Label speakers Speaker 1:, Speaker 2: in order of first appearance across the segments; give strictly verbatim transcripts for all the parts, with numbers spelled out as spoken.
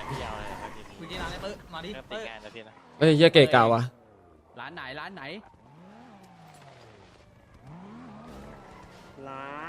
Speaker 1: พี่เอาอะไรครับพี่
Speaker 2: คุยที่ร้านเลยเปิ้ลมาดิ
Speaker 1: เริ่มติ
Speaker 2: เปิ้
Speaker 1: ด
Speaker 2: ล
Speaker 1: งานแล้วพี่นะ
Speaker 3: เฮ้ยเฮียเกะกาวะ
Speaker 4: ร้านไหนร้านไหน
Speaker 5: ร้าน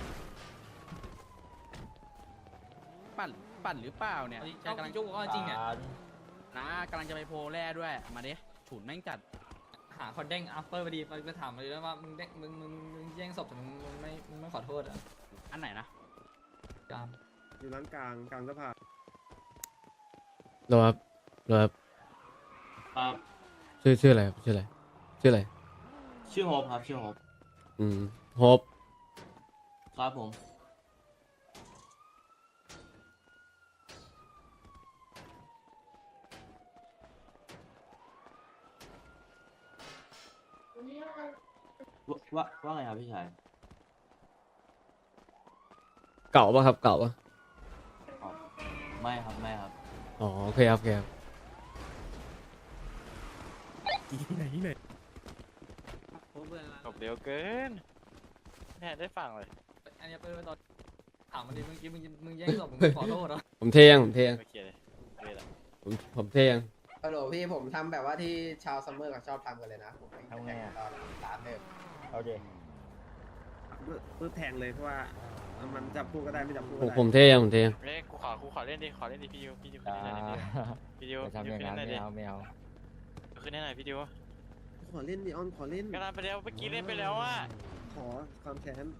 Speaker 4: ปั่นปั่นหรือเปล่าเนี่ย
Speaker 2: ใช่กำลังจุกก็จริงเนี่ย
Speaker 4: นะกำลังจะไปโพลแร่ด้วยมาดิฉุนแม่งจัด
Speaker 2: หาคนเด้งอัปเปอร์พอดีไปถามมาเลยว่ามึงเด้งมึงมึงมึงแย่งศพแต่มึงมึงไม่มึงไม่ขอโทษอ่ะ
Speaker 4: อันไหนนะ
Speaker 2: จาม
Speaker 5: อยู่ร้านกลางกลางสะพาน
Speaker 3: รอครับรอครับ
Speaker 6: ครับ
Speaker 3: ชื่อชื่ออะไรครับชื่ออะไรชื่ออะไร
Speaker 6: ชื่อโฮปครับชื่อโฮป
Speaker 3: อืมโฮป
Speaker 6: ครับผม ว่าว่าว่าไงครับพี่ชาย
Speaker 3: เก่าปะครับเก่าปะ
Speaker 6: อ๋อไม่ครับไม่ครับ
Speaker 3: อ๋อโอเคครับโอเคครับ
Speaker 5: ที่ไหนที่ไหน
Speaker 2: โอ้เพื่อน
Speaker 1: จบเร็วเกินแม่ได้ฟังเลย
Speaker 2: อันนี้เปิ้ลตอนถามมาดิเมื่อกี้มึงมึงแย่งศพมึงขอโทษเหรอ
Speaker 3: ผมเทยังผมเทยัง
Speaker 1: โอเคเลยโอเคเลย
Speaker 3: ผมผมเทยัง
Speaker 7: ฮัลโหลพี่ผมทำแบบว่าที่ชาวซัมเมอร์กับชอบทำกันเลยนะผมทำไงตอนร้านเดิม
Speaker 6: โอเค
Speaker 5: ปื้แทงเลยเพราะว่ามันจับคู่ก็ได้ไม่จับคู่
Speaker 3: ผ
Speaker 5: ก็
Speaker 3: ม
Speaker 5: ได้
Speaker 3: ผมเทยังผมเทยัง
Speaker 1: เล่นกูขอกูขอเล่นดิขอเล่นดิพี่ยูพี่ยูขึ้นให้หน่อยดิพี่ยูพี่ยูขึ้นให้หน่อยดิขึ้นให้หน่อยพี่ยู
Speaker 5: ขอเล่นดิออนขอเล่น
Speaker 1: กำลังไปแล้วเมื่อกี้เล่นไปแล้วอ่ะ
Speaker 5: ขอความแค้น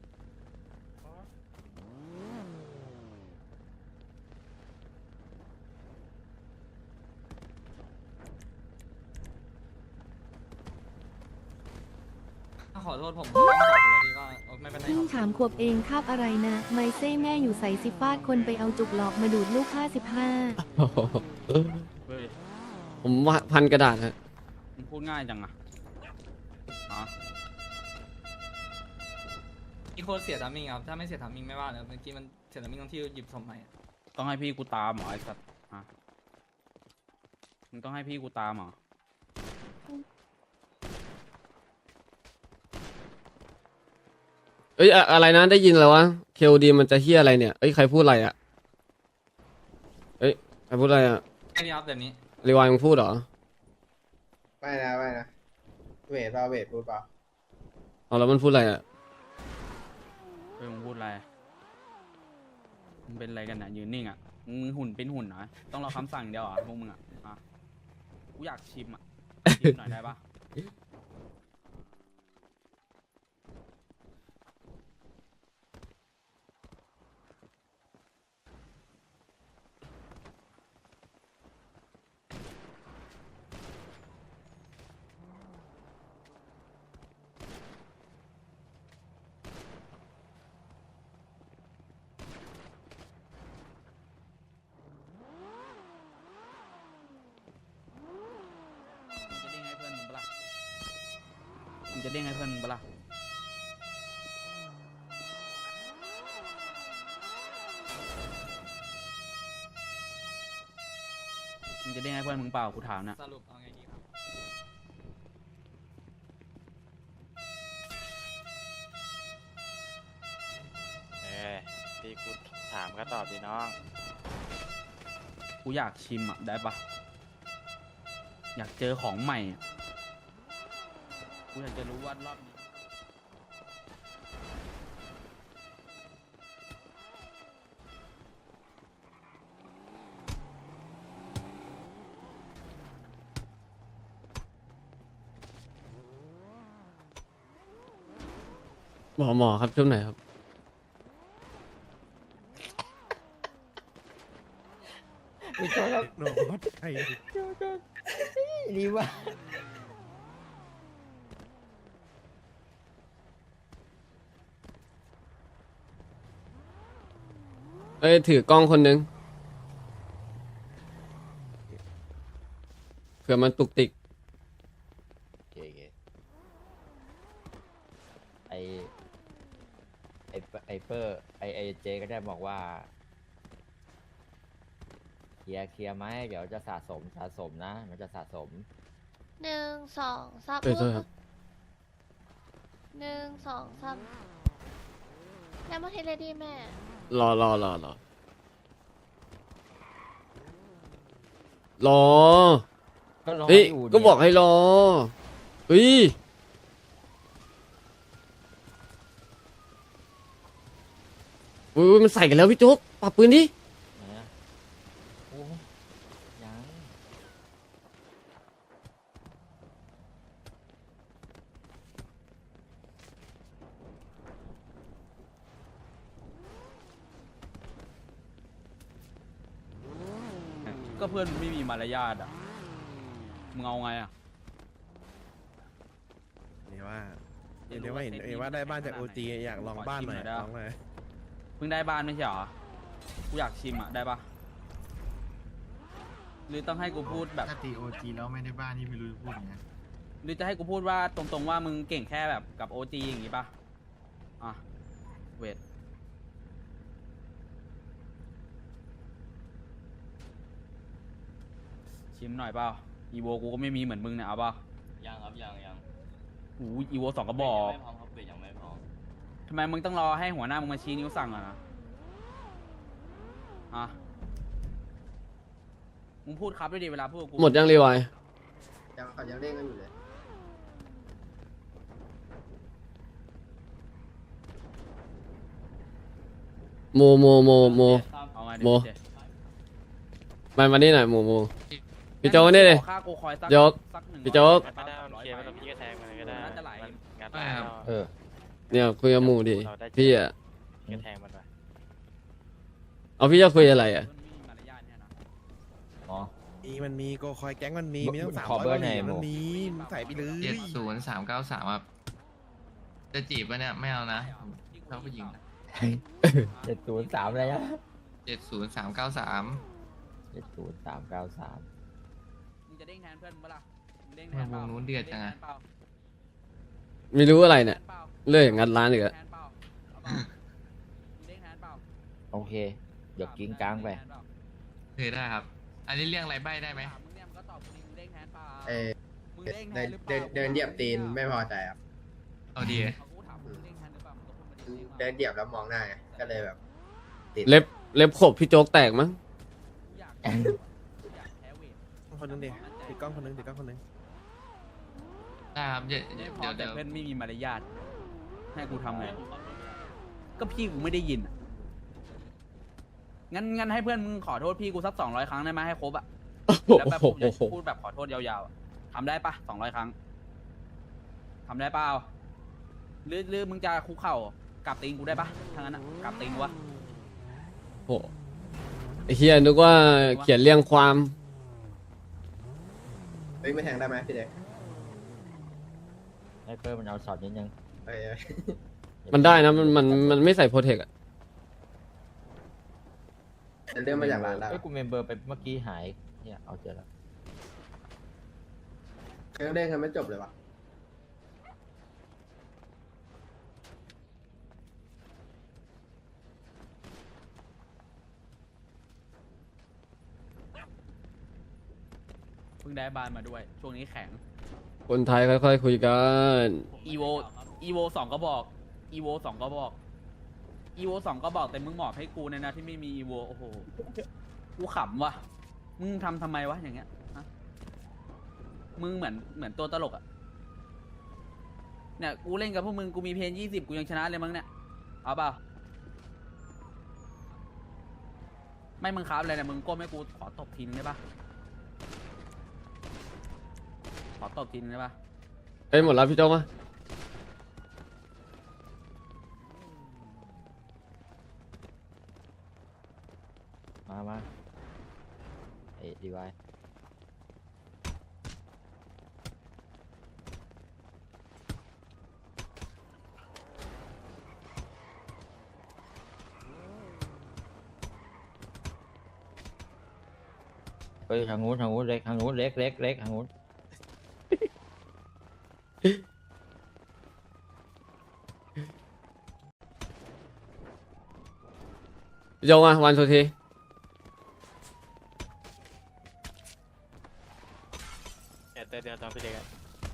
Speaker 2: ขอโทษผมผมแย่งศพไปแล้วดีก็ไม่เป็นไร
Speaker 8: เพิ่งถามขวบเองคาบอะไรนะ ไมเซ่แม่อยู่ใส่สิฟาดคนไปเอาจุกหลอกมาดูดลูกห้าสิบห้า
Speaker 3: โอ้โห
Speaker 4: เฮ้ย
Speaker 3: ผมว่าพันกระดาษฮะ
Speaker 4: มึงพูดง่ายจังอะอ๋อ
Speaker 2: อีโคตรเสียทามิงครับถ้าไม่เสียทามิงไม่ว่าเลยเมื่อกี้มันเสียทามิงตรงที่หยิบศพใหม่
Speaker 4: ต้องให้พี่กูตามเหรอไอ้สัตว์ฮะมึงต้องให้พี่กูตามเหรอ
Speaker 3: เอ้ยอะอะไรนะได้ยินแล้ววะเคลดีมันจะเฮียอะไรเนี่ยเอ้ยใครพูดอะไรอ่ะเอ้ยใครพูดอะไรอ่ะ
Speaker 2: แค่นี้ครับแบบนี้
Speaker 3: รีวายมึงพูดเหรอ
Speaker 7: ไม่นะไม่นะเวทเปล่าเวทพูดเปล่า
Speaker 3: เอาแล้วมันพูดอะไรอ่ะ
Speaker 4: เฮ้ยมึงพูดอะไรมึงเป็นอะไรกันนะยืนนิ่งอะมึงหุ่นเป็นหุ่นเหรอต้องรอคำสั่งเดียวเหรอพวกมึงอะอ่ะกูอยากชิมอะชิมหน่อยได้ปะ มึงจะเด้งให้เพื่อนมึงปะล่ะมึงจะเด้งให้เพื่อนมึงปะล่ะมึงจะเด้งให้เพื่อนมึงเปล่ากูถามนะ
Speaker 2: สรุปเอาไงดีครับ
Speaker 1: เออที่กูถามก็ตอบดิน้อง
Speaker 4: กูอยากชิมอ่ะได้ปะอยากเจอของใหม่อะกูอยากจะรู้ว่ารอบนี้
Speaker 3: หมอหมอครับช่วงไหนครับ
Speaker 5: โนดใคร
Speaker 7: ดีว่า
Speaker 3: เอ้ยถือกล้องคนนึงเผื่อมันตุกติก
Speaker 9: โอเคโอเคไอไอไอเปอร์ไอไอเจก็ได้บอกว่าเคลียร์เคลียร์ไหมเดี๋ยวจะสะสมสะสมนะ มันจะสะสม
Speaker 10: หนึ่งสองสาม
Speaker 3: เอ้ยโทษครับ
Speaker 10: หนึ่งสองสามแล้วมาเทเลดีแม่
Speaker 3: รอรอรอรอรอ
Speaker 9: ก็รอ
Speaker 3: เฮ้ย
Speaker 9: อยู่
Speaker 3: ก็
Speaker 9: เนี่ย
Speaker 3: บอกให้รอเฮ้ยอุ้ยมันใส่กันแล้วพี่โจ๊กปรับปืนดิ
Speaker 9: ไหนอะโอ้ยัง
Speaker 4: ก็เพื่อนมึงไม่มีมารยาทอ่ะมึงเอาไงอ่ะ
Speaker 5: นี่ว่าเดี๋ยวว่าเห็นเห็นว่าได้บ้านจากโอจีอยากลองบ้านหน่อยลองหน่อย
Speaker 4: เพิ่งได้บ้านไม่ใช่เหรอกูอยากชิมอ่ะได้ปะหรือต้องให้กูพูดแบบ
Speaker 11: ถ้าตีโอจีแล้วไม่ได้บ้านนี่ไม่รู้จะพูดยังไง
Speaker 4: หรือจะให้กูพูดว่าตรงๆว่ามึงเก่งแค่แบบกับโอจีอย่างงี้ปะอ่ะเวทชิมหน่อยเปล่าอีโวกูก็ไม่มีเหมือนมึงเนี่ยเอาเปล่า
Speaker 6: ยังครับยังยัง
Speaker 4: โอ้ยอีโวสองกระบอก
Speaker 6: ยังไม่พร้อมครับเบรยังไม่พร้อม
Speaker 4: ทำไมมึงต้องรอให้หัวหน้ามึงมาชี้นิ้วสั่งอ่ะนะอ่ะมึงพูดครับด้วยดิเวลาพูดกับกู
Speaker 3: หมดยังรีไวาย
Speaker 7: ยังเขายังเล่นกันอยู่เลย
Speaker 3: โมโมโมโม
Speaker 4: เอาไง
Speaker 3: โม
Speaker 4: เดี๋ยว
Speaker 3: มามานี่หน่อยโมโมพี่โจ๊กนี่ดิ
Speaker 4: ขอค่ากูคอยสัก
Speaker 3: โจ๊ก
Speaker 4: สักหนึ่ง
Speaker 3: พี่โจ๊ก
Speaker 1: ไม่ได้มันเคลียร์ไปแล้วพี่ก็แทงมันก็ได้
Speaker 4: น่าจะไหล
Speaker 1: มันงัดได้แล้ว
Speaker 9: เออ
Speaker 3: เนี่ยคุยกับหมูดิพี่อ่ะ
Speaker 1: พี่ก็แทงมันไป
Speaker 3: เอาพี่จะคุยอะไรอ่ะ
Speaker 4: ไม่มีมารยาทเนี่ยนะ
Speaker 9: อ๋อ
Speaker 5: มีมันมีโกคอยแก๊งมันมีมีตั้งสาม
Speaker 9: ขอ
Speaker 5: ร้อย
Speaker 9: เบอร์
Speaker 5: กว่าเหรียญ
Speaker 9: หน่อย
Speaker 5: มันมีมึงใส่ไปเลย
Speaker 11: เจ็ดศูนย์สามเก้าสามครับจะจีบปะเนี่ยไม่เอานะชอบผู้หญิง
Speaker 9: เจ็ดศูนย์สามอะไรอะ
Speaker 11: เจ็ดศูนย์สามเก้าสาม
Speaker 9: เจ็ดศูนย์สามเก้าสาม
Speaker 4: มึงจะเด้งแทนเพื่อนมึงปะล่ะมึงเด้งแทนเปล่าว
Speaker 11: งนู้นเดือดจังอะ
Speaker 4: ด้แทนเปล่า
Speaker 3: ไม่รู้อะไรเนี่ย
Speaker 4: แทนเปล่า
Speaker 3: เลื่อยงัดร้านอีกอะ
Speaker 4: แทนเปล่าเอาเปล่ามึงเด้งแทนเปล่า
Speaker 9: โอเคเดี๋ยวกิ้งกลางไป
Speaker 11: เคยได้ครับ อันนี้เรื่องอะไรใบได้ไหม
Speaker 4: ถามมึงเนี่ยมึงก็ตอบกูดิมึงเด้งแทนเปล่า
Speaker 7: เออ
Speaker 4: มึงเด้งแท
Speaker 7: เดิ
Speaker 4: น
Speaker 7: น
Speaker 4: หรือเป
Speaker 7: เดิ
Speaker 4: ล่าน
Speaker 7: เดินเหยียบตีนไม่พอใจครับ
Speaker 11: เอาดี
Speaker 4: เอากูถามมึงเด้งแทนหรือเปล่ามึงก็พูดมาดิ
Speaker 7: เดินเหยียบแล้วมองหน้าไงก็เลยแบบติด
Speaker 3: เล็บเล็บขบพี่โจ๊กแตกมั้ง
Speaker 4: กูอยากกูอยากแพ้เวท
Speaker 5: คนนึงดิติดกล้องคนนึงติดกล้องคนนึง
Speaker 11: ได้ครับเดี๋ยว
Speaker 4: ไม่
Speaker 11: เดี๋ยว
Speaker 4: พอ
Speaker 11: เดี๋
Speaker 4: แต่
Speaker 11: ยว
Speaker 4: เพื่อนไม่มีมารยาทให้กูทำไงก็พี่กูไม่ได้ยินอะงั้นงั้นให้เพื่อนมึงขอโทษพี่กูสักสองร้อยครั้งได้ไหมให้ครบอะ
Speaker 3: โอ้โห
Speaker 4: แล้วแบบผมจะพูดแบบขอโทษยาวๆอะทำได้ปะสองร้อยครั้งทำได้เปล่าหรือหรือมึงจะคุกเข่ากราบตีนกูได้ปะถ้างั้นอะกราบตีนกูวะ
Speaker 3: โอ้โหไอ้เฮียนึกว่าเขียนเรียงความ
Speaker 7: เฮ้ยไม่แทงได้ไหมพี่เด็ก
Speaker 9: ให้เพิ่มมันเอาช็อตนิดนึง
Speaker 7: เอ้ยเอ้ย
Speaker 3: มันได้นะมันมันมันไม่ใส่โปรเทคอะ
Speaker 7: จะเลื่อนมาจากร้านได้
Speaker 9: เอ้ยกูเมมเบอร์ไปเมื่อกี้หายเนี่ยเอาเจอแล้ว
Speaker 7: เครื่องเล่นกันไม่จบเลยวะ
Speaker 4: เพิ่งได้บ้านมาด้วย ช่วงนี้แข็ง
Speaker 3: คนไทยค่อยๆคุยกัน
Speaker 4: อีโวอีโวสองก็บอกอีโวสองก็บอกอีโวสองก็บอกแต่มึงหมอบให้กูในนะที่ไม่มีอีโวโอ้โหกูขำว่ะมึงทำทำไมวะอย่างเงี้ยฮะมึงเหมือนเหมือนตัวตลกอะเนี่ยกูเล่นกับพวกมึงกูมีเพนยี่สิบกูยังชนะเลยมั้งเนี่ยเอาเปล่าไม่มึงครับอะไรเนี่ยมึงก้มให้กูขอตบทีนึงได้ปะขอตบทีนึงได้ปะ
Speaker 3: เอ้ยหมดแล้วพี่โจ๊กมา
Speaker 9: มามาเอ้ดีไว้ เฮ้ยทางนู้นทางนู้นเล็กทางนู้นเล็กเล็กเล็กทางนู้น
Speaker 3: พี่โจ๊กมาวันสุดที
Speaker 1: เดี๋ยวเดี๋ยวเดี๋ยวตอนพี่เด็กอะ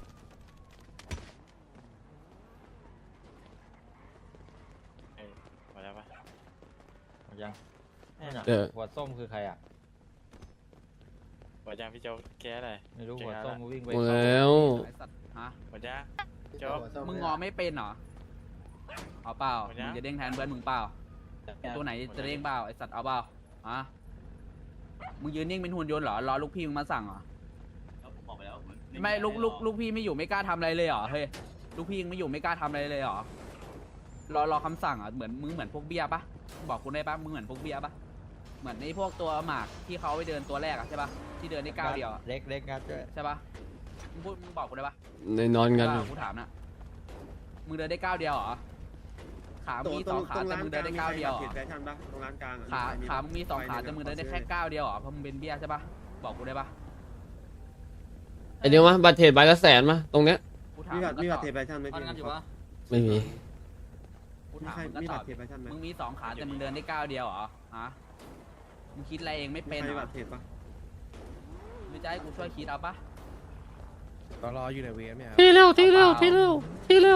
Speaker 1: เอ้ยหมดแล้วปะ
Speaker 9: เอายังนั่นน่ะ
Speaker 3: เออ
Speaker 9: หัวส้มคือใครอ่ะ
Speaker 1: หมดยังพี่โจ๊กแก้อะไร
Speaker 9: ไม่รู้หัวส้มวิ่งไป
Speaker 3: หมดแล้ว
Speaker 4: ไอ้สัตว์ฮะ
Speaker 1: หมดยังโจ๊ก
Speaker 4: มึงงอไม่เป็นเหรอเอาเปล่า
Speaker 1: หมดยัง
Speaker 4: มึงจะเด้งแทนเพื่อนมึงเปล่าตัวไหนจะเด้งเปล่าไอ้สัตว์เอาเปล่าฮะมึงยืนนิ่งเป็นหุ่นยนต์เหรอรอลูกพี่มึงมาสั่งเหรอ
Speaker 6: แล้วผมบอกไปแล้วน
Speaker 4: ไม่ลูกลูกลูกพี่ไม่อยู่ไม่กล้าทำอะไรเลยเหรอเฮ้ยลูกพี่ยังไม่อยู่ไม่กล้าทำอะไรเลยเหรอรอรอคำสั่งเหรอเหมือนมึงเหมือนพวกเบี้ยปะบอกกูได้ปะมึงเหมือนพวกเบี้ยปะเหมือนในพวกตัวหมากที่เขาไปเดินตัวแรกอะใช่ปะที่เดินได้ก้าวเดียวอะ
Speaker 9: เล็กเล็กงัดด้วย
Speaker 4: ใช่ปะมึงพูดมึงบอกกูได้ปะ
Speaker 3: ในนอนกัน
Speaker 4: เออกูถามนะมึงเดินได้ก้าวเดียวเหรอขามึงมีสองขาแต่มึงเดินได้ก้าวเดียวเหร
Speaker 5: เข
Speaker 4: อ
Speaker 5: ตแฟชั่นปะตรงร้านกลางอะ
Speaker 4: ขา
Speaker 5: ใครมี
Speaker 4: ขามึงมีสองขาแต่มึงเดินได้แค่ก้าวเดียวเหรอเพราะมึงเป็นเบี้ยใช่ปะบอกกูได้ปะ
Speaker 3: ไอเดียวมาบัตรเทรดใบละแสนมาตรงเนี้ย
Speaker 4: กูถาม
Speaker 5: มี
Speaker 4: มึ
Speaker 5: บัต
Speaker 4: ง
Speaker 5: รมี
Speaker 4: ก็
Speaker 5: บั
Speaker 4: ต
Speaker 5: ต
Speaker 4: อบ
Speaker 5: รเทรดแฟชั่นไหม
Speaker 2: ตอน
Speaker 5: พี่
Speaker 2: นั้นอยู่ปะ
Speaker 3: ไม่มี
Speaker 4: กู
Speaker 5: มี
Speaker 4: ถาม
Speaker 5: ใคร
Speaker 4: มึงก็
Speaker 5: มี
Speaker 4: ต
Speaker 5: บั
Speaker 4: อ
Speaker 5: ต
Speaker 4: บ
Speaker 5: รเทรดแฟชั่นไหม
Speaker 4: มึงมีสองขาแต่มึงเดินได้ก้าวเดียวเหรอฮะมึงคิดอะไรเองไม่
Speaker 5: มี
Speaker 4: เป็น
Speaker 5: ใคร
Speaker 4: เหร
Speaker 5: มี
Speaker 4: อ
Speaker 5: บัตรเทรดปะ
Speaker 4: หรือจะให้กูช่วยคิดเอาปะ
Speaker 5: ตรออยู่ในเวฟเนี่ย
Speaker 3: ที่เร็วที่เร็วที่เร็วที่เร็ว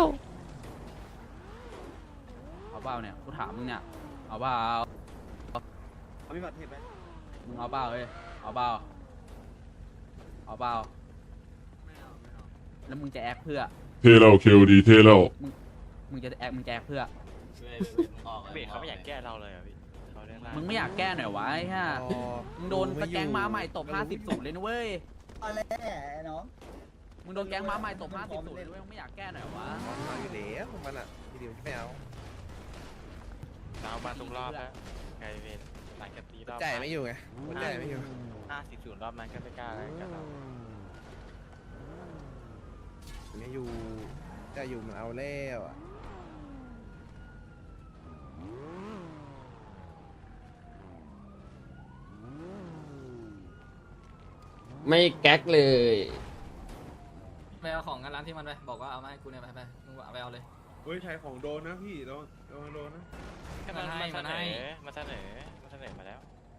Speaker 4: เอาเปล่าเนี่ยกูถามมึงเนี่ยเอาเปล่า
Speaker 5: เอามีบัตรเทรดไหม
Speaker 4: มึงเอาเปล่าเฮ้ยเอาเปล่าเอาเปล่าแล้วมึงจะแอคเพื่อ
Speaker 12: เทเราเคลดีเทเรา
Speaker 4: มึงจะแอคมึงจะแอคเพื่อ
Speaker 6: เว้ยเว้ยมึงออกลย
Speaker 1: เบรกเขาไม่อยากแก้เราเลยอ่ะพี่เขาเล่นได้
Speaker 4: มึงไม่อยากแก้หน่อยวะไอ้ห่ามึงโดนตะแกงม้าใหม่ตบห้าสิบศูนย์เลยนะเว้ย
Speaker 7: อะไรน้อง
Speaker 4: มึงโดนแกงม้าใหม่ตบห้าสิบศูนย์เลยนะเว้ยมึงไม่อยากแก้หน่อยวะ
Speaker 5: มาอยู่แล้วมันอ่ะทีเดียวไม่เอา
Speaker 1: เรามาทุกรอบแล้วไกลเวนหลังจากตีรอบ
Speaker 5: ใจไม่อยู่ไงหัวใจไม่อยู่
Speaker 1: ห้าสิบศูนย์รอบนั้นก็ไม่กล้าอะไรกับเรา
Speaker 5: ไม่อยู่จะอยู่มันเอาแล้วอ่ะ
Speaker 3: ไม่แก๊กเลย
Speaker 2: ไปเอาของกันร้านที่มันไปบอกว่าเอามาให้กูเนี่ยไปไปมึงเอาไปเอาเลย
Speaker 5: เฮ้ยใช้ของโดนนะพี่โดนโดนโดนนะ
Speaker 1: มัน
Speaker 2: มันให้
Speaker 1: มัน
Speaker 2: มัน
Speaker 1: เสน
Speaker 2: ให้
Speaker 1: อมันเสนอมันเสนอมาแล้ว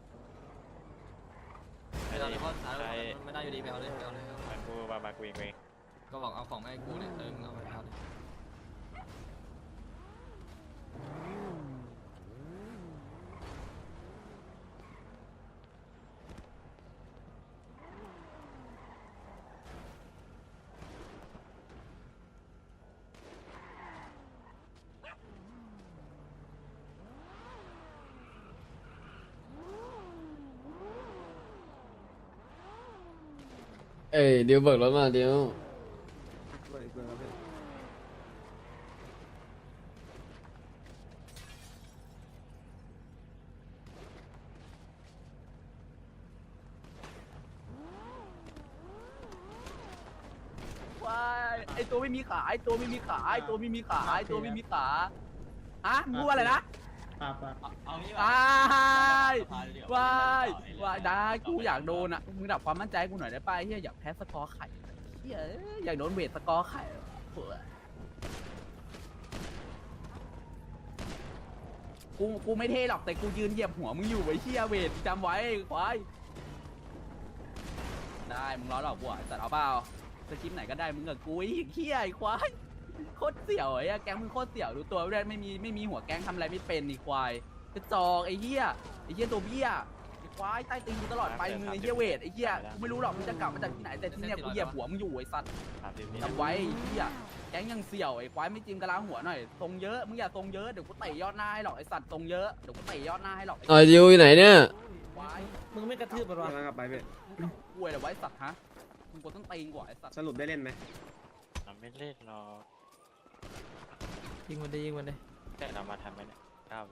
Speaker 2: ไปตอนนี้เขาสาร
Speaker 1: ใคร
Speaker 2: ไม่ได้อยู่ดีไปเอาเลยไปเอาเลยเอาเลย
Speaker 1: มากูมามากูเองเอง
Speaker 2: ก็บอกเอาของมาให้กูเนี่ยเออมึงเอาไปเอาเลย
Speaker 3: เอ้ยเดี๋ยวเบิกรถมาเดี๋ยว
Speaker 5: เปิดอีกเบอร์ครับพี่
Speaker 4: ว้ายไอตัวไม่มีขาไอตัวไม่มีขาไอตัวไม่มีขาไอตัวไม่มีขาฮะมึงพูดว่าอะไรนะ
Speaker 6: เอางี้
Speaker 4: ว้าย
Speaker 6: สภาเดียว
Speaker 4: ว้ายว้ายได้กูอยากโดนอ่ะมึงดับความมั่นใจกูหน่อยได้ป่ะเฮียอยากแพ้สกอร์ไข่เฮียอยากโดนเวทสกอร์ไข่เผื่อกูกูไม่เท่หรอกแต่กูยืนเหยียบหัวมึงอยู่ไว้เฮียเวทจำไว้ควายได้มึงล้อหลอกกูอ่ะแต่เอาเปล่าสคริปต์ไหนก็ได้มึงกับกูไอ้เฮียไอ้ควายโคตรเสี่ยวไอ้แก๊งมึงโคตรเสี่ยวดูตัวไม่ได้ไม่มีไม่มีหัวแก๊งทำอะไรไม่เป็นนี่ควายกระจอกไอ้เหี้ยไอ้เหี้ยตัวเบี้ยไอ้ควายใต้ตีนกูตลอดไปมึงไอ้เหี้ยเวทไอ้เหี้ยกูไม่รู้หรอกมึงจะกลับมาจากที่ไหนแต่ที่เนี่ยกูเหยียบหัวมึงอยู่ไอ้สัตว์
Speaker 1: สามสิบวิ
Speaker 4: จำไว้ไอ้เหี้ยแก๊งยังเสี่ยวไอ้ควายไม่จิ้มกระลาหัวหน่อยทรงเยอะมึงอย่าทรงเยอะเดี๋ยวกูเตะยอดหน้าให้หรอกไอ้สัตว์ทรงเยอะเดี๋ยวกูเตะยอดหน้าให้หรอกไอ้
Speaker 3: เออดิวอยู่ไหนเนี่ย
Speaker 4: ควาย
Speaker 5: มึงไม่กระทืบมันวะกลับไปพี่
Speaker 4: มึงกลัวเดี๋ยวไว้สัตว์ฮะมึงกดต้นตีนกว่าไอ้สัตว์
Speaker 5: สรุปได้เล่นไหม
Speaker 1: เราไม่เล่นหรอก
Speaker 2: ยิงมันได้ยิงมันได้
Speaker 1: แต่เรามาทำไหมเนี่ยเก้าวิ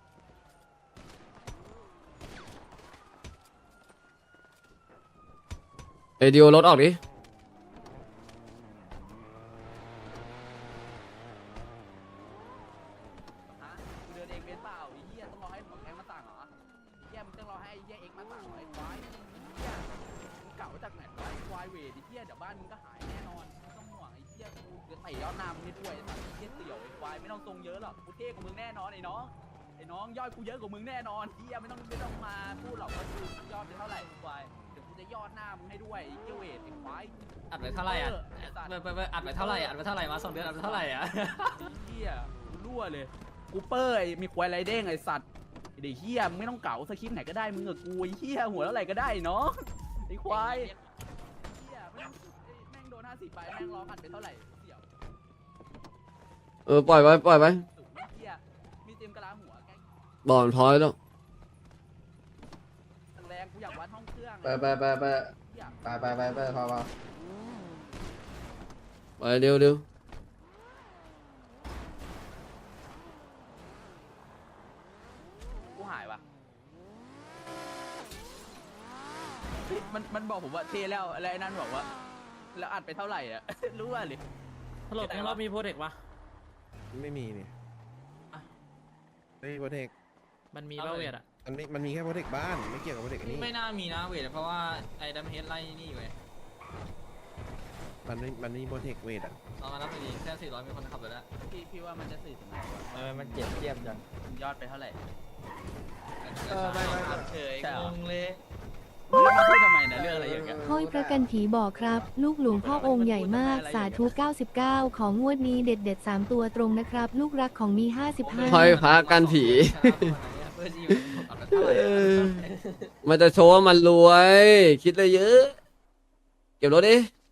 Speaker 3: เอ้ยดิวรถออกดิ
Speaker 4: ฮะมึงเดินเองเป็นเปล่าไอ้เหี้ยต้องรอให้หัวแก๊งมาสั่งเหรอไอ้เหี้ยมึงต้องรอให้ไอ้เหี้ยเอ็กซ์มาสั่งเหรอไอ้ควายไอ้เหี้ยมึงเก่าจากไหนวะไอ้ควายเวทไอ้เหี้ยเดี๋ยวบ้านมึงก็หายแน่นอนไม่ต้องห่วงไอ้เหี้ยกูเดี๋ยวเตะยอดหน้ามึงให้ด้วยไอ้สัตว์ไอ้เหี้ยเสี่ยวไอ้ควายไม่ต้องทรงเยอะหรอกกูเท่กว่ามึงแน่นอนไอ้น้องไอ้น้องยอดกูเยอะกว่ามึงแน่นอนเหี้ยไม่ต้องไม่ต้องมาพูดหรอกว่ากูยอดเป็นเท่าไหร่ไอ้ควายเดี๋ยวกูจะยอดหน้ามึงให้ด้วยไอ้เหี้ยเวทไอ้ควาย
Speaker 2: อัดไว้เท่าไหร่อ่ะ
Speaker 4: ไอ้สัตว์
Speaker 2: ไปไปไปอัดไว้เท่าไหร่อัดไว้เท่าไหร่มาสองเดือนอัดไว้เท่าไหร่อ่ะ
Speaker 4: เฮียกูรั่วเลยกูเป้ยมีควายไรเด้งไอสัตว์ไอเด็กเฮียมึงไม่ต้องเก่าสคริปต์ไหนก็ได้มึงกับกูไอเฮียหัวแล้วอะไรก็ได้เนาะไออ้ควายเหี้ยแม่งแม่งโดนห้าสิบไปแม่งร้องหันไปเท่าไหร่เสี่ยว
Speaker 3: เออปล่อยไว้ปล่อยไว้
Speaker 4: สูงเหี้ยมีเต็มกะลาหัวแกง
Speaker 3: บอลพอยแล้ว
Speaker 4: แรงกูอยากวัดห้องเครื่อง
Speaker 7: ไปไปไปไปไปไปไปไปพอพอ
Speaker 3: ไปเร็วเร็ว
Speaker 4: กูหายว่ะมันมันบอกผมว่าเทแล้วอะไรนั่นบอกว่าแล้วอัดไปเท่าไหร่อ่ะ รู้ว่าเลย
Speaker 2: ฮัลโหลแกงเรามีโปรเทคปะ
Speaker 5: ไม่มีนี่ไม่มีโปรเทค
Speaker 2: มันมีบ้าเวทอ่ะ
Speaker 5: มันไม่มันมีแค่โปรเทคบ้านไม่เกี่ยวกับโปรเทคอันนี้
Speaker 2: ไม่น่ามีนะเวทเพราะว่าไอ้ดัมเฮดไล่นี่อยู่ไง
Speaker 5: มันไม่มันไม่มีโปรเทคเวทอ่ะ
Speaker 2: เอามารับไปดีแค่สี่ร้อยมีคนขับเลยแล้ว
Speaker 4: พี่พี่ว่ามันจะสื่อถึงไหนวะ
Speaker 9: ทำไมมันเจ็บเทียบจัง
Speaker 4: มันยอดไปเท่าไหร่
Speaker 2: เออไม่ไม่เฉย
Speaker 4: ใช่เหรอ
Speaker 2: งงเลย
Speaker 4: แล้วมาพูดทำไมนะเรื่องอะไรอย่างเงี้ย
Speaker 8: ห้อยพระกันผีบอกครับ ลูกหลวงพ่อองค์ใหญ่มาก สาธุ เก้าสิบเก้า ของงวดนี้เด็ดเด็ดๆสามตัวตรงนะครับ ลูกรักของมี ห้าสิบห้า
Speaker 3: ห้อยพระกันผี
Speaker 2: เพื่อจีบขับกันเท่าไหร่
Speaker 3: เออมันจะโชว์ว่ามันรวย คิดเลยเยอะ เก็บรถดิ